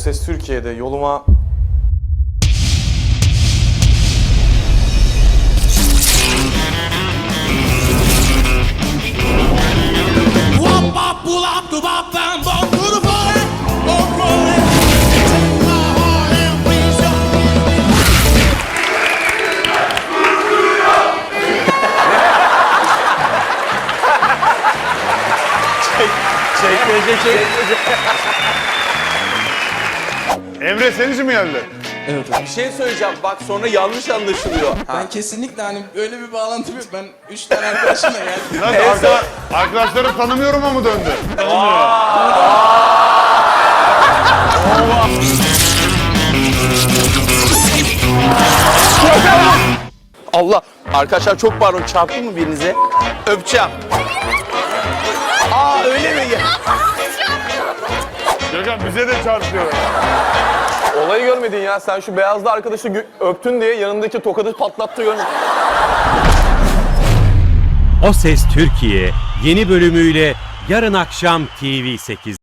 Ses Türkiye'de yoluma... Emre senin için mi geldi? Bir şey söyleyeceğim bak sonra yanlış anlaşılıyor. Ben kesinlikle hani öyle bir bağlantım yok. Ben 3 tane arkadaşımla geldim. Nasıl arkadaşları tanımıyorum ama döndü. Allah! Arkadaşlar çok pardon, çarptım mı birinize? Öpeceğim. Aa öyle mi? Gökhan bize de çarpıyor. Olayı görmedin ya. Sen şu beyazlı arkadaşı öptün diye yanındaki tokadı patlattı görmedin. O Ses Türkiye yeni bölümüyle yarın akşam TV8'de.